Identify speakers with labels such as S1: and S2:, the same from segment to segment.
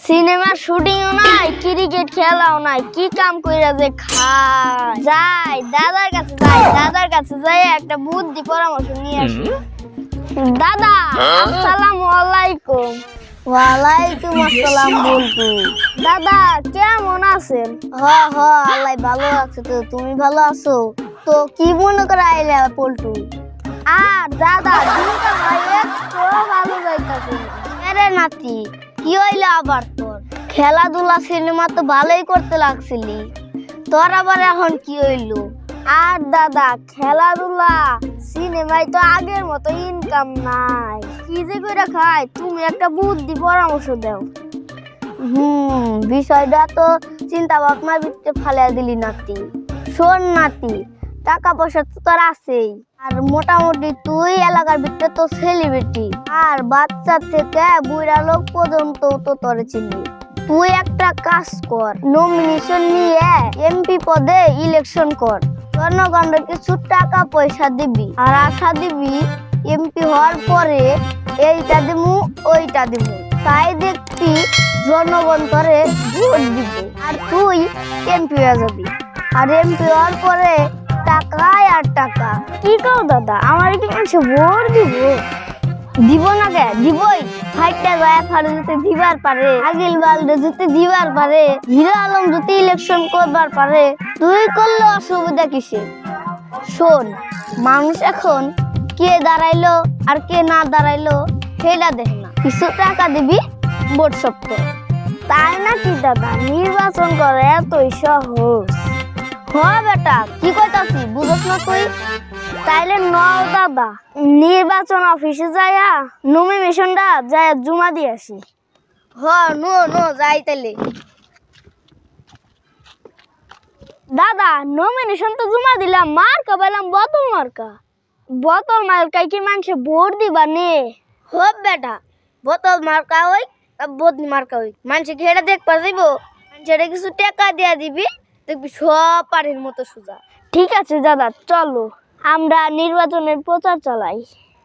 S1: সিনেমার শুটিংও নাই, ক্রিকেট খেলাও নাই, কি কাম কইরা যে খায়। যাই দাদার কাছে যাই একটা বুদ্ধি পরামর্শ নিয়ে আসি। দাদা আসসালামু আলাইকুম। ওয়ালাইকুম আসসালাম বলতু। দাদা কেমন আছেন? আল্লাহ ভালো আছে। তো তুমি ভালো আছো? তো কি মনে করে আইলা পল্টু? আর দাদা দিনটা ভাই একটু ভালো যাইতাছে। আরে নাতি কি হইলো আবার তোর? খেলাধুলা সিনেমা তো ভালোই করতে লাগছিলি, তোর আবার এখন কি হইলো? আর দাদা খেলাধুলা সিনেমায় তো আগের মতো ইনকাম নাই, কি যে করে খায়, তুমি একটা বুদ্ধি পরামর্শ দাও। বিষয়টা তো চিন্তা ভাবনার ভিতরে ফালিয়ে দিলি নাতি। শোন নাতি, টাকা পয়সা তো তোর আছেই, আর মোটামুটি তুই এলাকার ভিতরে তো সেলিব্রিটি, আর বাচ্চা থেকে বুড়া লোক পর্যন্ত তো তোরে চিনি। তুই একটা কাজ কর, নমিনেশন নিয়ে এমপি পদে ইলেকশন কর, জনগণের কিছু টাকা পয়সা দিবি, আর আশা দিবি এমপি হওয়ার পরে এইটা দিমু ওইটা দিমু, তাই দেখবি জনগণ তোরে ভোট দিবে, আর তুই এমপি হয়ে যাবি। আর এমপি হওয়ার পরে টাকায় আর টাকা। কি কও দাদা, আমার কি মানুষ ভোট দিব না? কে দিবই, ফাইটটা যায় ফারে যদি দিবার পারে, আগিল বালদে যদি দিবার পারে, হিরো আলম যদি ইলেকশন করবার পারে, তুই করলে অসুবিধা কিসে? শোন, মানুষ এখন কে দাঁড়াইলো আর কে না দাঁড়াইলো সেটা দেখে না, কিছু টাকা দিবি ভোট সপ্ত। তাই নাকি দাদা, নির্বাচন করে এতই সহজ? বেটা কি কইতাছি বুঝছ না তুই? তাইলে নও দাদা, নির্বাচন অফিসে যাইয়া নমিনেশনটা যাইয়া জমা দিয়ে আসি। নো যাই তাইলে। দাদা নমিনেশন তো জমা দিলাম, মার্কা পেলাম বোতল মার্কায় কি মানুষে ভোট দিবা নে? বেটা বোতল মার্কা হই বদলি মার্কা হই, মানুষে ঘেরা দেখবা যাইব, মানুষের কিছু টাকা দিয়া দিবি, দেখবি সব পাড়ির মতো সোজা। ঠিক আছে দাদা, চলো আমরা নির্বাচনের প্রচার চালাই।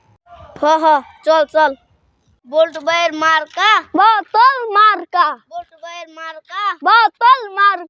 S1: চল। বল্টু ভাইয়ের মার্কা বোতল মার্কা, বল্টু ভাইয়ের মার্কা বোতল মার্কা।